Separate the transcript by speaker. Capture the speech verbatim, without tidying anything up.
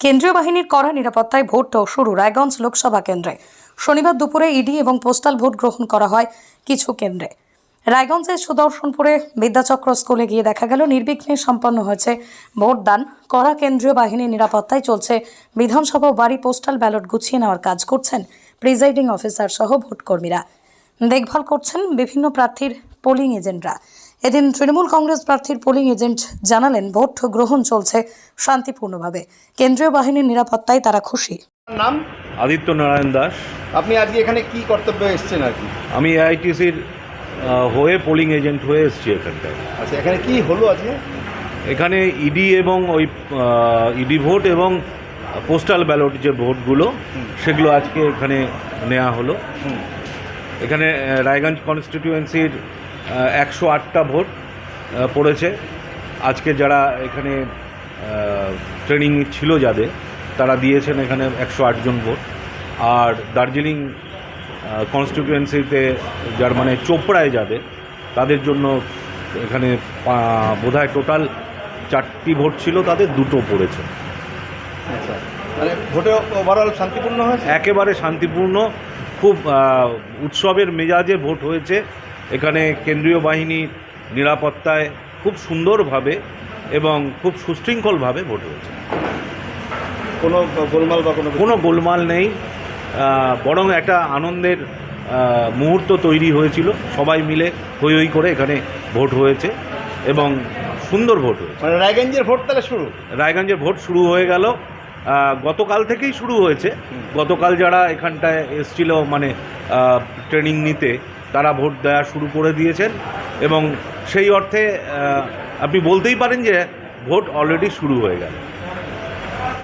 Speaker 1: কেন্দ্রীয় বাহিনীর কড়া নিরাপত্তায় ভোট শুরু রায়গঞ্জ লোকসভা কেন্দ্রে। শনিবার দুপুরে ইডি এবং পোস্টাল ভোট গ্রহণ করা হয় কিছু কেন্দ্রে। রায়গঞ্জের সুদর্শনপুরে বিদ্যাচক্র স্কুলে গিয়ে দেখা গেল নির্বিঘ্নে সম্পন্ন হয়েছে ভোটদান। কড়া কেন্দ্রীয় বাহিনীর নিরাপত্তায় চলছে বিধানসভা ও বাড়ি পোস্টাল ব্যালট গুছিয়ে নেওয়ার কাজ করছেন প্রিজাইডিং অফিসার সহ ভোটকর্মীরা। দেখভাল করছেন বিভিন্ন প্রার্থীর পোলিং এজেন্টরা। এদিন তৃণমূল কংগ্রেস প্রার্থীর পোলিং এজেন্ট জানালেন ভোট গ্রহণ চলছে শান্তিপূর্ণভাবে। কেন্দ্রীয় বাহিনীর নিরাপত্তায় তারা খুশি।
Speaker 2: নাম
Speaker 3: আদিত্য নারায়ণ দাস।
Speaker 2: আপনি আজকে এখানে কি কর্তব্যে এসেছেন আর কি?
Speaker 3: আমি এআইটিসির হয়ে পোলিং এজেন্ট হয়ে এসেছি এখানটায়।
Speaker 2: আচ্ছা, এখানে কি হলো আজকে?
Speaker 3: এখানে ইডি এবং ওই ইডি ভোট এবং পোস্টাল ব্যালট যে ভোটগুলো সেগুলো আজকে এখানে নেওয়া হলো। এখানে রায়গঞ্জ কনস্টিটিউয়েন্সির একশো আটটা ভোট পড়েছে। আজকে যারা এখানে ট্রেনিং ছিল যাদের, তারা দিয়েছেন এখানে একশো আটজন ভোট। আর দার্জিলিং কনস্টিটিউয়েন্সিতে যার মানে চোপড়ায় যাবে তাদের জন্য এখানে বোধহয় টোটাল চারটি ভোট ছিল, তাদের দুটো পড়েছে।
Speaker 2: আচ্ছা, মানে ভোটে ওভারঅল শান্তিপূর্ণ হয়েছে?
Speaker 3: একেবারে শান্তিপূর্ণ, খুব উৎসবের মেজাজে ভোট হয়েছে। এখানে কেন্দ্রীয় বাহিনীর নিরাপত্তায় খুব সুন্দরভাবে এবং খুব সুশৃঙ্খলভাবে ভোট হয়েছে।
Speaker 2: কোনো গোলমাল বা কোনো
Speaker 3: কোনো গোলমাল নেই, বরং একটা আনন্দের মুহূর্ত তৈরি হয়েছিল। সবাই মিলে হই হই করে এখানে ভোট হয়েছে এবং সুন্দর ভোট হয়েছে।
Speaker 2: মানে রায়গঞ্জের ভোট তাহলে শুরু?
Speaker 3: রায়গঞ্জের ভোট শুরু হয়ে গেল, গতকাল থেকেই শুরু হয়েছে। গতকাল যারা এখানটায় এসছিল মানে ট্রেনিং নিতে, তারা ভোট দেওয়া শুরু করে দিয়েছেন এবং সেই অর্থে আপনি বলতেই পারেন যে ভোট অলরেডি শুরু হয়ে গেল।